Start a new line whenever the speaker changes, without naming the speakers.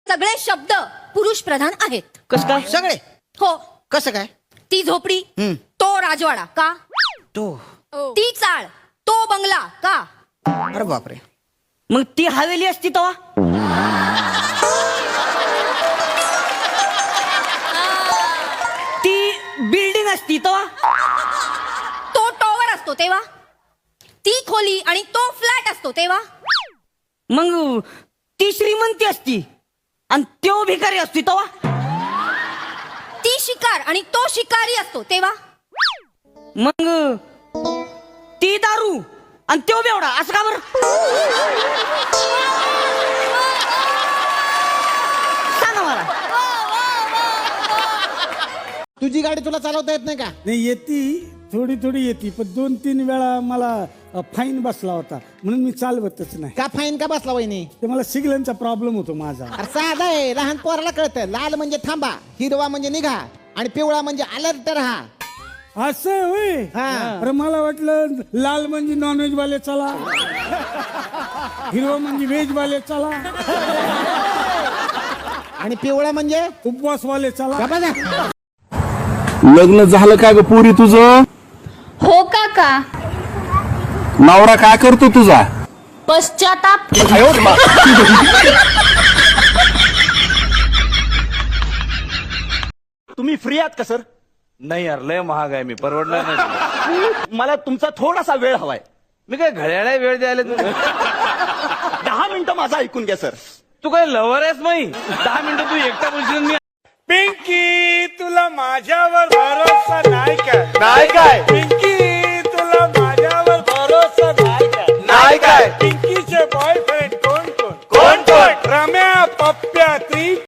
सगळे शब्द पुरुष प्रधान आहेत.
कस काय?
सगळे
हो.
कसं काय?
ती झोपडी, तो राजवाडा का?
तो
ती चाळ, तो बंगला का?
अरे बापरे.
मग ती हवेली असती तेव्हा? ती बिल्डिंग असती तेव्हा?
तो टॉवर असतो तेव्हा? ती खोली आणि तो फ्लॅट असतो तेव्हा?
मग ती श्रीमंती असती आणि तो भिकारी असती तेव्हा?
ती शिकार आणि तो शिकारी असतो तेव्हा?
मग ती दारू आणि तो बेवडा असं का बरं? सांगा मला.
तुझी गाडी तुला चालवता येत नाही का?
नाही येते, थोडी थोडी येते, पण 2-3 वेळा मला फाईन बसला होता म्हणून मी चालवतच नाही.
का फाईन का बसला वहिनी?
ते मला सिग्नलचा प्रॉब्लेम होतो माझा.
अरे साधा आहे, लहान पोराला कळतं. लाल म्हणजे थांबा, हिरवा म्हणजे निघा आणि पिवळा म्हणजे अलर्ट राहा.
असं होय?
हा.
अरे मला वाटलं लाल म्हणजे नॉनव्हेज वाले चला, हिरवा म्हणजे व्हेज वाले चला,
आणि पिवळा म्हणजे
उपवास वाले चला.
लग्न झालं का ग पुरी तुझं?
हो काका.
नवरा काय करतो तुझा?
पश्चाताप.
तुम्ही फ्री आहात का सर?
नाही यार, लय महाग आहे, मी परवडणार नाही.
मला तुमचा थोडासा वेळ हवाय.
मी काय घड्याळा वेळ द्यायला तू?
10 मिनिटं माझं ऐकून घ्या सर.
तू काय लवर आहेस? नाही 10 मिनिटं तू एकटा बोलशील. मी
पिंकी, तुला माझ्यावर भरोसा नाही का?
नाही काय?
पिंकी